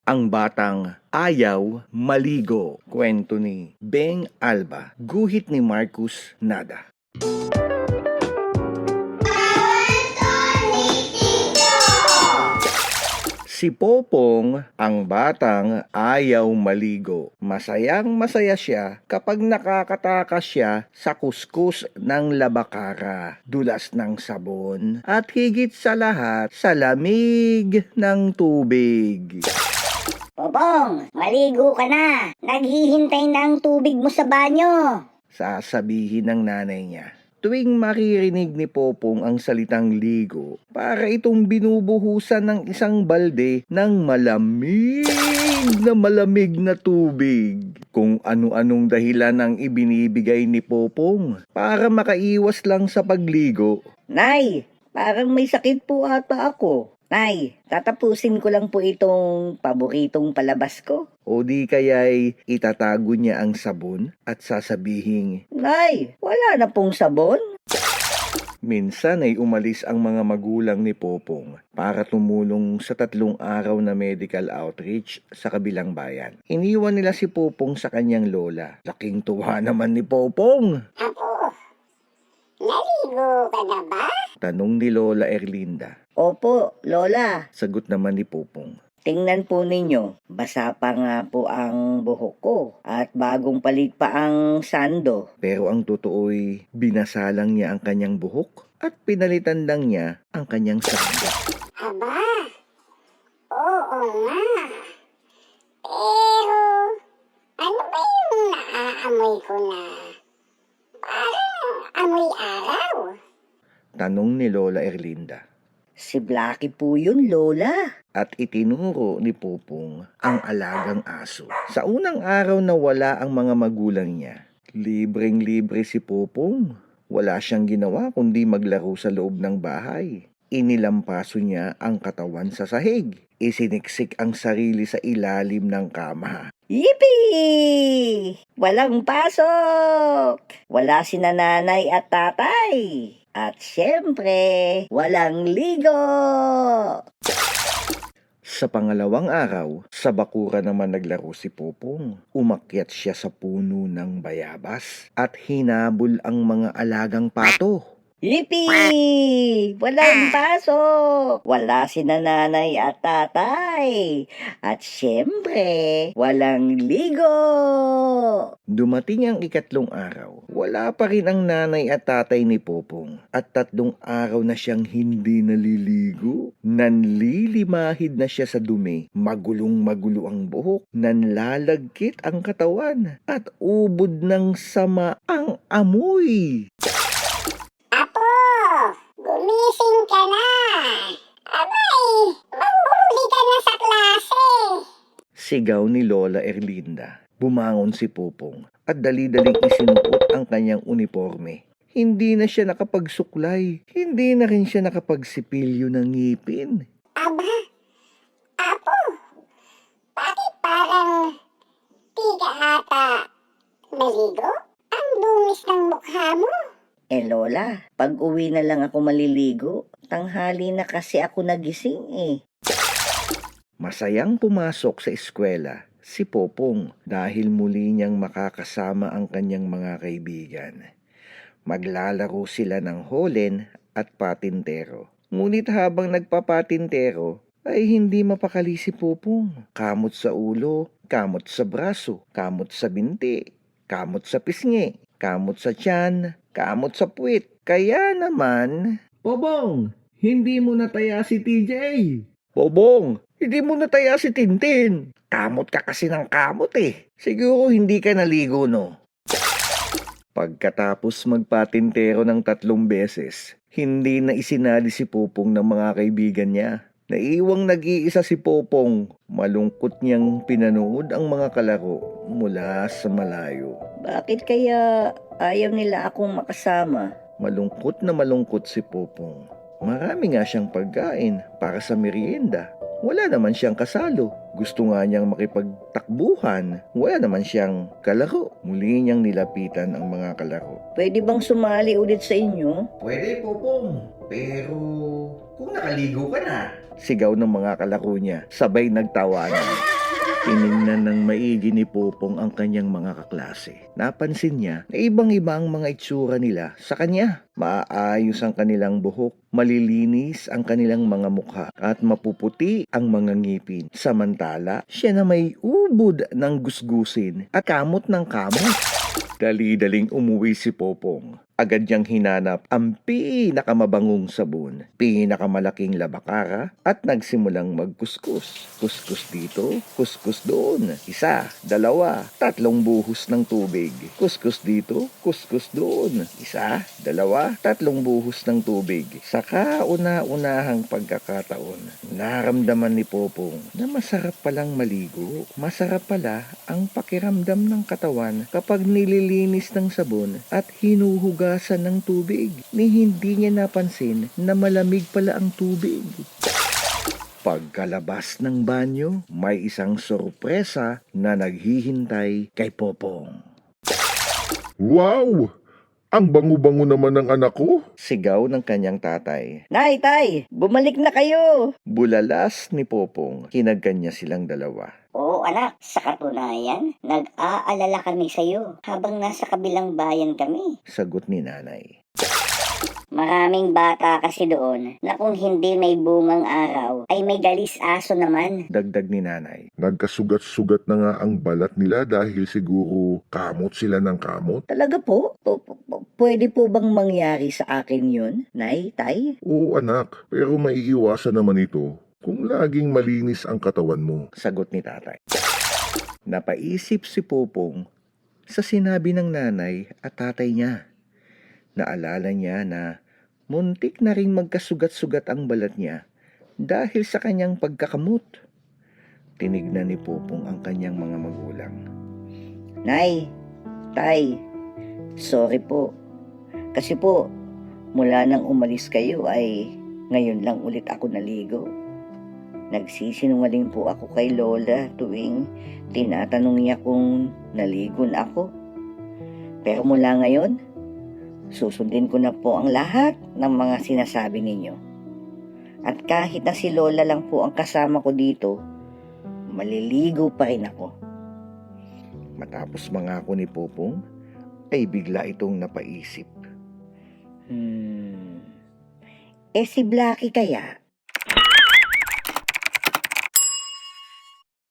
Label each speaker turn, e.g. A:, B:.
A: Ang batang ayaw maligo. Kwento ni Beng Alba. Guhit ni Marcus Nada. Si Popong, ang batang ayaw maligo. Masayang masaya siya kapag nakakatakas siya sa kuskus ng labakara, dulas ng sabon, at higit sa lahat, sa lamig ng tubig.
B: Popong, maligo ka na. Naghihintay na ang tubig mo sa banyo.
A: Sasabihin ng nanay niya. Tuwing maririnig ni Popong ang salitang ligo, para itong binubuhusan ng isang balde ng malamig na tubig. Kung ano-anong dahilan ang ibinibigay ni Popong para makaiwas lang sa pagligo.
B: Nay, parang may sakit po ata ako. Nay, tatapusin ko lang po itong paboritong palabas ko.
A: O di kaya'y itatago niya ang sabon at sasabihin,
B: Nay, wala na pong sabon.
A: minsan ay umalis ang mga magulang ni Popong para tumulong sa 3 araw na medical outreach sa kabilang bayan. Iniwan nila si Popong sa kanyang lola. Laking tuwa naman ni Popong.
C: Apo, naligo ka na ba?
A: Tanong ni Lola Erlinda.
B: Opo, Lola.
A: Sagot naman ni Popong.
B: Tingnan po ninyo, basa pa nga po ang buhok ko at bagong palit pa ang sando.
A: Pero ang totoo'y binasalang niya ang kanyang buhok at pinalitan lang niya ang kanyang sando.
C: Aba, oo nga. Pero, ano ba yung naaamoy ko na? Parang amoy araw.
A: Tanong ni Lola Erlinda.
B: Si Blackie po yun, Lola.
A: At itinuro ni Popong ang alagang aso. Sa unang araw na wala ang mga magulang niya, libreng-libre si Popong. Wala siyang ginawa kundi maglaro sa loob ng bahay. Inilampaso niya ang katawan sa sahig. Isiniksik ang sarili sa ilalim ng kama.
B: Yippee! Walang pasok! Wala si nanay at tatay. At syempre, walang ligo!
A: Sa pangalawang araw, sa bakura naman naglaro si Popong. Umakyat siya sa puno ng bayabas at hinabol ang mga alagang pato.
B: Yippee! Walang pasok! Wala si nanay at tatay. At syempre, walang ligo!
A: Dumating ang 3 araw. Wala pa rin ang nanay at tatay ni Popong. At 3 araw na siyang hindi naliligo. Nanlilimahid na siya sa dumi. Magulong-magulo ang buhok. Nanlalagkit ang katawan. At ubod ng sama ang amoy.
C: Apo, gumising ka na. Abay, mahuhuli ka na sa klase.
A: Sigaw ni Lola Erlinda. Bumangon si Popong at dali-daling isinuot ang kanyang uniforme. Hindi na siya nakapagsuklay. Hindi na rin siya nakapagsipilyo ng ngipin.
C: Aba, Apo, bakit parang di ka ata maligo? Ang dungis ng mukha mo.
B: Lola, pag uwi na lang ako maliligo. Tanghali na kasi ako nagising eh.
A: Masayang pumasok sa eskwela si Popong dahil muli niyang makakasama ang kanyang mga kaibigan. Maglalaro sila ng holen at patintero. Ngunit habang nagpapatintero ay hindi mapakali si Popong. Kamot sa ulo, kamot sa braso, kamot sa binti, kamot sa pisngi, kamot sa tiyan, kamot sa puwit. Kaya naman, Popong, hindi mo nataya si TJ. Popong, hindi mo nataya si Tintin. Kamot ka kasi ng kamot eh. Siguro hindi ka naligo no. Pagkatapos magpatintero ng 3 beses, hindi na isinali si Popong ng mga kaibigan niya. Naiwang nag-iisa si Popong. Malungkot niyang pinanood ang mga kalaro mula sa malayo.
B: Bakit kaya ayaw nila akong makasama?
A: Malungkot na malungkot si Popong. Marami nga siyang pagkain para sa merienda. Wala naman siyang kasalo. Gusto nga niyang makipagtakbuhan. Wala naman siyang kalaro. Muli niyang nilapitan ang mga kalaro.
B: Pwede bang sumali ulit sa inyo?
A: Pwede, Popong. Pero kung nakaligo ka na. Sigaw ng mga kalaro niya. Sabay nagtawanan. Tiningnan ng maigi ni Popong ang kanyang mga kaklase. Napansin niya na ibang-iba ang mga itsura nila sa kanya. Maaayos ang kanilang buhok, malilinis ang kanilang mga mukha, at mapuputi ang mga ngipin. Samantala, siya na may ubod ng gusgusin at kamot ng kamot. Dali-daling umuwi si Popong. Agad niyang hinanap ang pinakamabangong sabon, pinakamalaking labakara, at nagsimulang magkuskus. Kuskus dito, kuskus doon. 1, 2, 3 buhos ng tubig. Kuskus dito, kuskus doon. 1, 2, 3 buhos ng tubig. Sa kauna-unahang pagkakataon, naramdaman ni Popong na masarap palang maligo. Masarap pala ang pakiramdam ng katawan kapag nililinis ng sabon at hinuhugasan ng tubig, ni hindi niya napansin na malamig pala ang tubig. Pagkalabas ng banyo, may isang sorpresa na naghihintay kay Popong.
D: Wow! Ang bango-bango naman ng anak ko.
A: Sigaw ng kanyang tatay.
B: Nay, tay, bumalik na kayo.
A: Bulalas ni Popong, kinagkan niya silang dalawa.
C: Oo anak, sa katunayan, nag-aalala kami sa'yo habang nasa kabilang bayan kami.
A: Sagot ni nanay.
C: Maraming bata kasi doon na kung hindi may bungang araw ay may dalis aso naman.
A: Dagdag ni nanay.
D: Nagkasugat-sugat na nga ang balat nila dahil siguro kamot sila ng kamot.
B: Talaga po? Pwede po bang mangyari sa akin yun, nay, tay?
D: Oo anak, pero maiiwasan naman ito kung laging malinis ang katawan mo.
A: Sagot ni tatay. Napaisip si Popong sa sinabi ng nanay at tatay niya. Naalala niya na muntik na ring magkasugat-sugat ang balat niya dahil sa kanyang pagkakamot. Tinignan ni Popong ang kanyang mga magulang.
B: Nay, tay, sorry po. Kasi po, mula nang umalis kayo ay ngayon lang ulit ako naligo. Nagsisinungaling po ako kay Lola tuwing tinatanong niya kung naligo na ako. Pero mula ngayon, susundin ko na po ang lahat ng mga sinasabi ninyo. At kahit na si Lola lang po ang kasama ko dito, maliligo pa rin ako.
A: Matapos mangako ni Popong, ay bigla itong napaisip.
B: Si Blackie kaya?